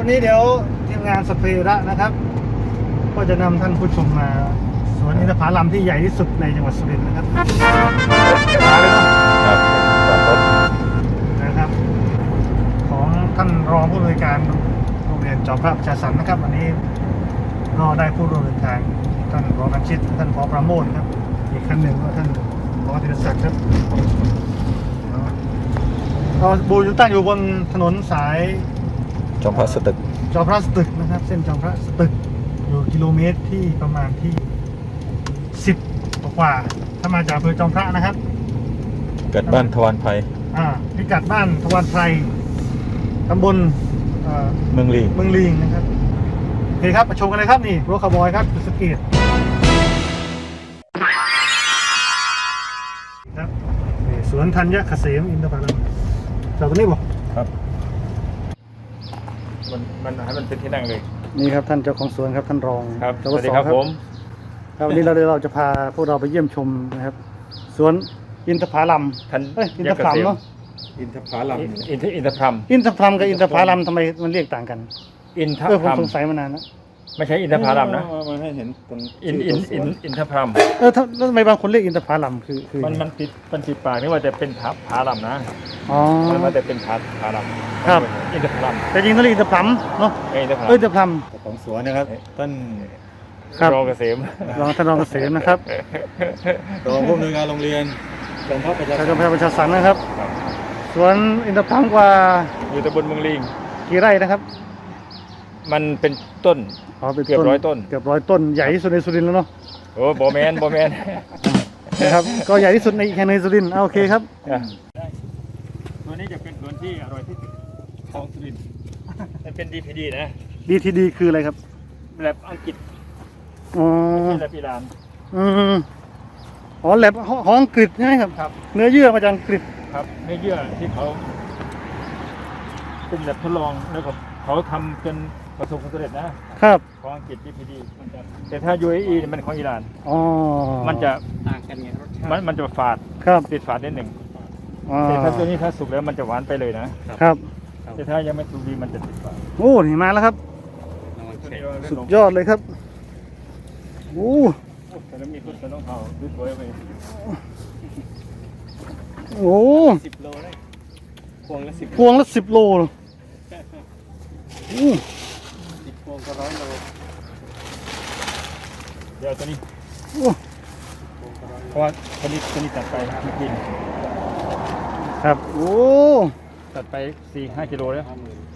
วันนี้เดี๋ยวทีมงานสเประนะครับ ก็จะนำท่านผู้ชมมาสวนอินทผลัมที่ใหญ่ที่สุดในจังหวัดสุรินทร์นะครับมาเลยเนาะครับจอดรถนะครับ ของท่านรองผู้อำนวยการโรงเรียนจอมพระประชาสรรค์นะครับวันนี้ก็ได้ผู้ร่วมเดินทางท่านรองนักชิตท่านผอประโมทครับอีกท่านหนึ่งก็ท่านผอธีรศักดิ์ครับเราบูอยู่ตั้งอยู่บนถนนสายจอมพระสตึกจอมพระสตึกนะครับเส้นจอมพระสตึกอยู่กิโลเมตรที่ประมาณที่10กว่าถ้ามาจากอำเภอจอมพระนะครับเกิดบ้านทวารไพรพิกัดบ้านทวารไพรตำบลเมืองลีเมืองลิงนะครับโอเคครับมาชมกันเลยครับนี่รถคาร์บอยครับสกีดครับนี่สวนธัญเกษมอินทผลัมจอดตรงนี้บ่ครับมันให้มันเป็นที่นั่งเลยนี่ครับท่านเจ้าของสวนครับท่านรองครับจสววัสดีครับผมครับวันนี้เราจะพาพวกเราไปเยี่ยมชมนะครับสวนอินทผลัมท่านอินทผลัมเนาะอินทผลัมอินทพลัมอินทผลัมกับอินทผลัมทำไมมันเรียกต่างกันอินทผมพลัมสงสัยมานานแล้วไม่ใช่อินทผลัมนะมันให้เห็นตรงอินทพลัมแล้วทำไมบางคนเรียกอินทผลัมคือมันติดปากนี่ว่าจะเป็นผาลัมนะอ๋อมันว่าจะเป็นผาลัมครับอินทพลัมแต่จริงต้องเรียกอินทผลัมเนาะอินทพลัมอินทผลัมของสวนนะครับท่านครับรองเกษมรองท่านรองเกษมนะครับรองผู้อำนวยการโรงเรียนจอมพระประชาชาสัวมจอมพระประชาสรรค์นะครับครับสวนอินทผลัมกว่าอยู่ตำบลเมืองลิงกี่ไร่นะครับมันเป็นต้นเป็นเกือบ100ต้นเกือบ100 ต้นใหญ่ที่สุดในสุรินทร์แล้วเนาะโอ้บอแมนนะครับก็ใหญ่ที่สุดในแค่ในสุรินทร์โอเคครับตัวนี้จะเป็นสวนที่อร่อยที่สุดของสุรินทร์มันเป็น DPD นะ DTD คืออะไรครับแบบอังกฤษอ๋อที่แบบอิหร่านอืมอ๋อแลบของอังกฤษใช่ไหมครับครับเนื้อเยื่อมาจากอังกฤษครับเนื้อเยื่อที่เขาเป็นแบบทดลองแล้วก็เขาทำจนประสบความสำเร็จนะครับ ของอังกฤษ DPD มันจะแต่ถ้า UAE เนี่ยมันของอิหร่านอ๋อมันจะต่างกันไงรสชาติมันจะฝาดครับติดฝาดนิดหนึ่งอ๋อแต่ถ้าตัวนี้ถ้าสุกแล้วมันจะหวานไปเลยนะครับ แต่ถ้ายังไม่สุกดีมันจะติดฝาดโอ้นี่มาแล้วครับ สุดยอดเลยครับโอ้แต่แล้วมีต้นกระน้องเผาสวยๆไปโอ้ 10 โลได้พวงละ10 พวงละ10 โลโอ้ 10 พวงก็100 โลเดี๋ยวตัวนี้โอ้เพราะว่าตัวนี้ตัดไปเมื่อกี้ครับโอ้ตัดไป 4-5 กิโลแล้ว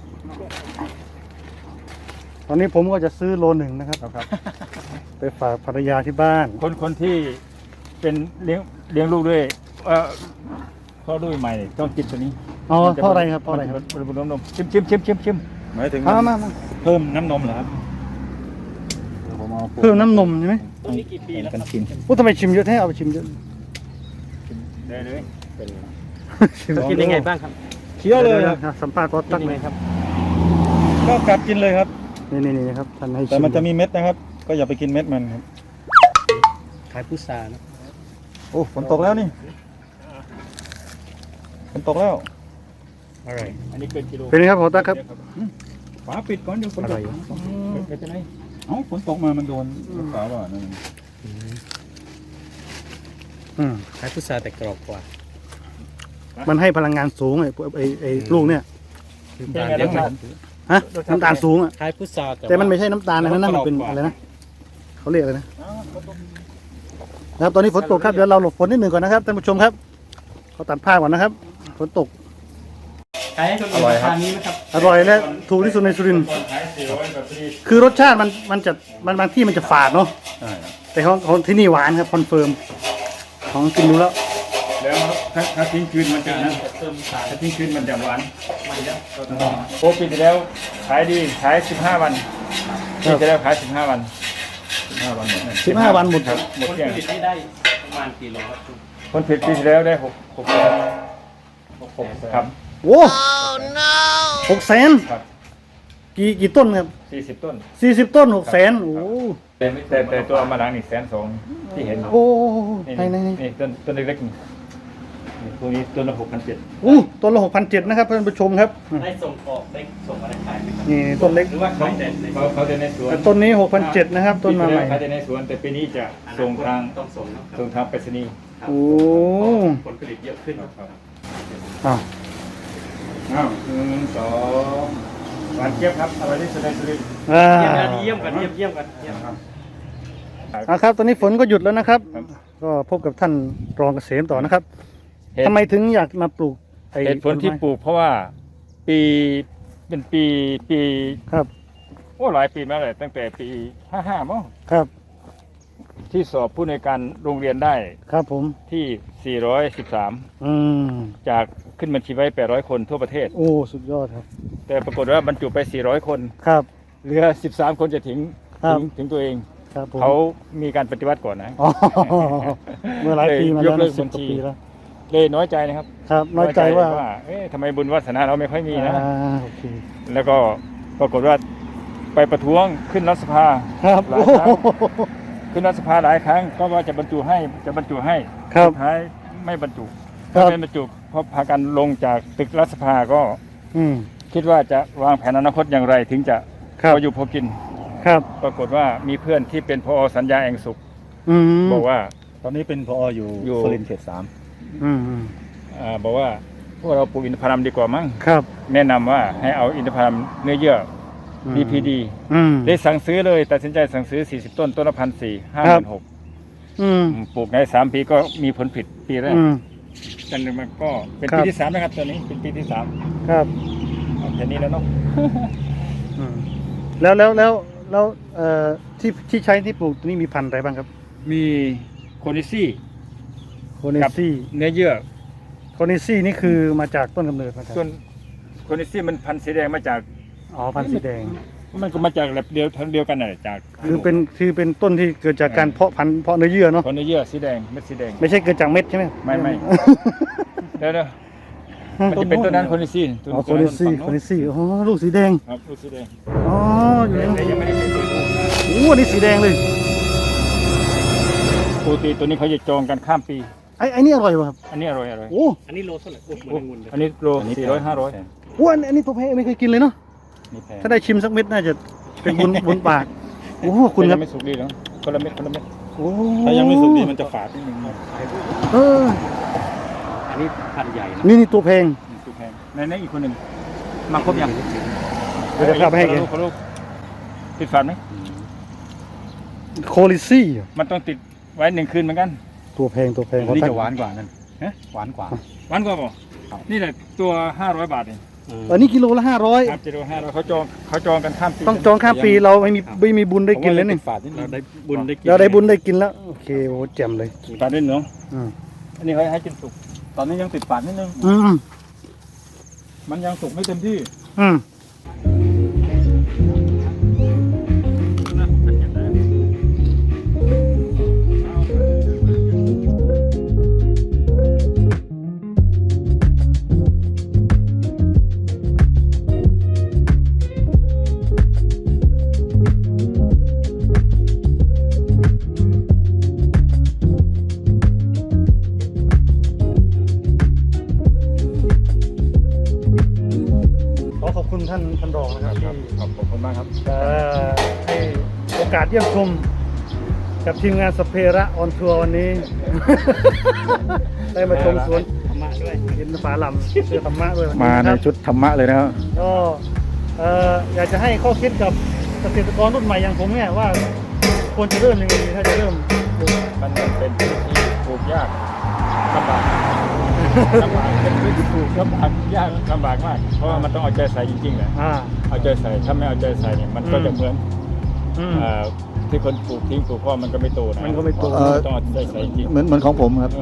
ตอนนี้ผมก็จะซื้อโล1นะครับครับไปฝากภรรยาที่บ้านคนที่เป็นเลี้ยงลูกด้วยพ่อลูกใหม่เนี่ยต้องกินตัวนี้อ๋อเพราะอะไรครับเพราะอะไรครับบนนมชิมหมายถึงมาเพิ่มน้ำนมเหรอครับเพิ่มน้ำนมใช่ไหมต้นนี้กี่ปีแล้วกันกินโอ้ทำไมชิมเยอะแท้เอาไปชิมเยอะได้เลยชิมกินยังไงบ้างครับเคี้ยวเลยสัมภาษณ์ก็ตักเลยก็กัดกินเลยครับนี่ครับท่านให้ชิมแต่มันจะมีเม็ดนะครับ ก็อย่าไปกินเม็ดมันครับขายพุทรานะโอ้ฝนตกแล้วนี่ฝนตกแล้วอะไรอันนี้เกินกิโลเป็นไงครับผมตักครับฝาปิดก่อนเดี๋ยวฝนอตร่กอยเป็นจะไหนเอ้าฝนตกมามันโดนฝาบ่านั่นขายพุทราแต่กรอบกว่ามันให้พลังงานสูงไอ้ลูกเนี่ยเป็นไงรสชาติฮะน้ำตาลสูงอ่ะขายพุทราแต่มันไม่ใช่น้ำตาลนะนั่นมันเป็นอะไรนะเขาเรียกอะไรนะนะครับตอนนี้ฝนตกครับเดี๋ยวเราหลบฝนนิดหนึ่งก่อนนะครับท่านผู้ชมครับเขาตัดผ้าก่อนนะครับฝนตกขายให้คนอื่นราคานี้ไหมครับอร่อยและถูกที่สุดในสุรินทร์ขายเสียวไว้แบบนี้คือรสชาติมันจะบางที่มันจะฝาดเนาะใช่ครับแต่ของที่นี่หวานครับคอนเฟิร์มของกินดูแล้วแล้วถ้าทิ้งคืนมันจะนะเติมสารถ้าทิ้งคืนมันจะหวานมันเยอะโอ้ปีที่แล้วขายดีขาย15 วันปีที่แล้วขาย15 วัน 15 วันหมด 15 วันหมดครับหมดคนเกลี้ยงผลิตนี่ได้ประมาณกี่โลครับคุณคนผิดปีที่แล้วได้6ครับโอ้600,000 ครับกี่ต้นครับ 40 ต้น 40 ต้น600,000โอ้แต่ตัวมาล้างนี่120,000ที่เห็นโอ้นี่ในนี่ต้นเล็กๆนี่พวกนี้ตัวละ6,700 อู้ต้นละ6,700นะครับท่านผู้ชมครับได้ส่งออกได้ส่งอะไรขายไหมครับนี่ต้นเล็กหรือว่าขายแต่ในเขาจะในสวนแต่ต้นนี้6,700นะครับต้นมาใหม่เขาจะในสวนแต่ปีนี้จะส่งทางต้องส่งนะครับส่งทางไปรษณีย์ครับโอ้ผลผลิตเยอะขึ้นอ้าวอ้าว1 2หวานเจี๊ยบครับอร่อยที่สุดในสุรินทร์เยี่ยมกันเยี่ยมกันเยี่ยมครับครับตอนนี้ฝนก็หยุดแล้วนะครับครับก็พบกับท่านรองเกษมต่อนะครับเหตุทำไมถึงอยากมาปลูกไอ้เหตุผลที่ปลูกเพราะว่าปีเป็นปีครับโอ้หลายปีมาเลยตั้งแต่ปี55มั้งครับที่สอบผู้ในวยการโรงเรียนได้ครับผมที่ 413 อืมจากขึ้นบัญชีไว้ 800 คนทั่วประเทศโอ้สุดยอดครับแต่ปรากฏว่าบรรจุไป 400 คนครับเหลือ 13 คนจะถึงครับถึงตัวเองครับผมเขามีการปฏิวัติก่อนนะอ๋อเมื่อหลายปีมายแล้วกเลิกสิบบัญกว่าชีปีแล้วเลยน้อยใจนะครับครับน้อยใจว่าเอ๊ะทำไมบุญวาสนาเราไม่ค่อยมีนะโอเคแล้วก็ปรากฏว่าไปประท้วงขึ้นรัฐสภาครับหลายครั้ง ขึ้นรัฐสภาหลายครั้งก็ว่าจะบรรจุให้ครับสุดท้ายไม่บรรจุครับไม่บรรจุเพราะพากันลงจากตึกรัฐสภาก็อืมคิดว่าจะวางแผนอนาคตอย่างไรถึงจะครับพออยู่พอกินครับปรากฏว่ามีเพื่อนที่เป็นพอสัญญาแองสุขอืมบอกว่าตอนนี้เป็นพออยู่อยู่สุรินทร์เขตอืมบอกว่าพวกเราปลูกอินทผลัมดีกว่ามั้งครับแนะนำว่าให้เอาอินทผลัมเนื้อเยื่ออืม DPD อืมได้สั่งซื้อเลยตัดสินใจสั่งซื้อ40ต้นต้นละ1,400 ครับ 56,000 อืมปลูกใน3 ปีก็มีผลผลิตปีแรกอืมจนมันก็เป็นครับปีที่3นะครับตอนนี้เป็นปีที่3 ครับเอาแค่นี้แล้วเนาะอืมแล้วที่ใช้ที่ปลูกตัวนี้มีพันธุ์อะไรบ้างครับมีโคนิซี่โคเนซี่เนื้อเยื่อโคเนซี่นี่คือมาจากต้นกำเนิดมาจากส่วนโคนิซี่มันพันธุ์สีแดงมาจากอ๋อพันธุ์สีแดงมันก็มาจากแบบเดียวกันน่ะจากคือเป็นต้นที่เกิดจากการเพาะพันธุ์เพาะเนื้อเยื่อเนาะเพราะเนื้อเยื่อสีแดงเม็ดสีแดงไม่ใช่เกิดจากเม็ดใช่ไหมไม่ เดี๋ยวมันจะเป็นต้นนั้นโคนิซี่อ๋อโคเนซี่อ๋อลูกสีแดงครับลูกสีแดงอ๋ออยู่แต่ในยังไม่ได้เป็นตัวโอ้อันนี้สีแดงเลยปกติตัวนี้เขาจะจองกันข้ามปีไอ้นี่อร่อยป่ะครับอันนี้อร่อยโอ้อันนี้โลเท่าไหร่โอ้เหมือนองุ่นเลยอันนี้โล 3อันนี้ 400 500 โอ้อันนี้ตัวแพงไม่เคยกินเลยเนาะนี่แพงถ้าได้ชิมสักเม็ดน่าจะเป็นบุญปากโอ้คุณครับไม่สุกดีเนาะคนละเม็ดโอ้ถ้ายังไม่สุกดีมันจะฝาดนิดนึงเอออันนี้พันธุ์ใหญ่นะนี่ตัวแพงสุกแพงในอีกคนหนึ่งมาครบยังเดี๋ยวจะเข้าไปให้แกคนลูกติดฝาดไหมโคลิซี่มันต้องติดไว้1 คืนเหมือนกันตัวแพงอันนี้จะหวานกว่านั่นฮะหวานกว่าวันกว่าป่ะครับนี่แหละตัว500 บาทเองอันนี้กิโลละครับกิโล500เขาจองกันข้ามปี 500ต้องจองข้ามปีเราไม่มีบุญได้กินเลยนี่ฝาดนิดนึเรางได้บุญได้กินเราได้บุญได้กินแล้วโอเคโอ้แจ่มเลยตัดได้เนาะอืมอันนี้เขาให้กินสุกตอนนี้ยังติดฝาดนิดนึงอืมมันยังสุกไม่เต็มที่อืมขอบคุณท่านรองนะครับที่ขอบคุณมากครับให้โอกาสเยี่ยมชมกับทีมงานสเประออนทัวร์วันนี้ ได้มาชมสวนธรรมะด้วยอินทผลัมเสื้อธรรมะด้วยวันนี้มาในครับชุดธรรมะเลยนะครับก็อยากจะให้ข้อคิดกับเกษตรกรรุ่นใหม่อย่างผมเนี่ยว่าควรจะเริ่มยังไงดีถ้าจะเริ่มปลูกมันเป็นพื้นที่ปลูกยากลำบากเป็นพื้นที่ปลูกลำบากยากลำบากมาก เพราะว่ามันต้องเอาใจใส่จริงๆแหละอ่าเอาใจใส่ถ้าไม่เอาใจใส่เนี่ยมันก็จะเหมือนอืมที่คนปลูกทิ้งปลูกเพราะมันก็ไม่โตนะมันก็ไม่โตต้องเอาใจใส่จริงเหมือนของผมครับ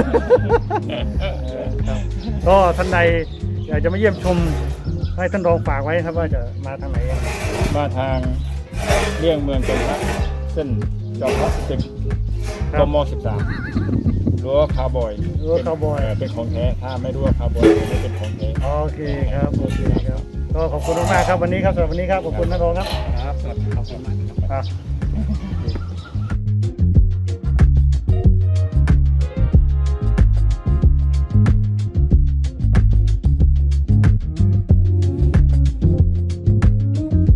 ก็ท่านใดอยากจะมาเยี่ยมชมให้ท่านรองฝากไว้ครับว่าจะมาทางไหนยังไงมาทางเลี่ยงเมืองจอมพระเส้นจอมพระ10 คกรับม13รั้วคาวบอยรั้วคาวบอยเป็นของแท้ถ้าไม่รั้วคาวบอยไม่เป็นของแท้โอเคครับโอเคครับก็ขอบคุณมากๆครับวันนี้ครับสำหรับวันนี้ครับขอบคุณท่านรองครับครับสวัสดีครับครับ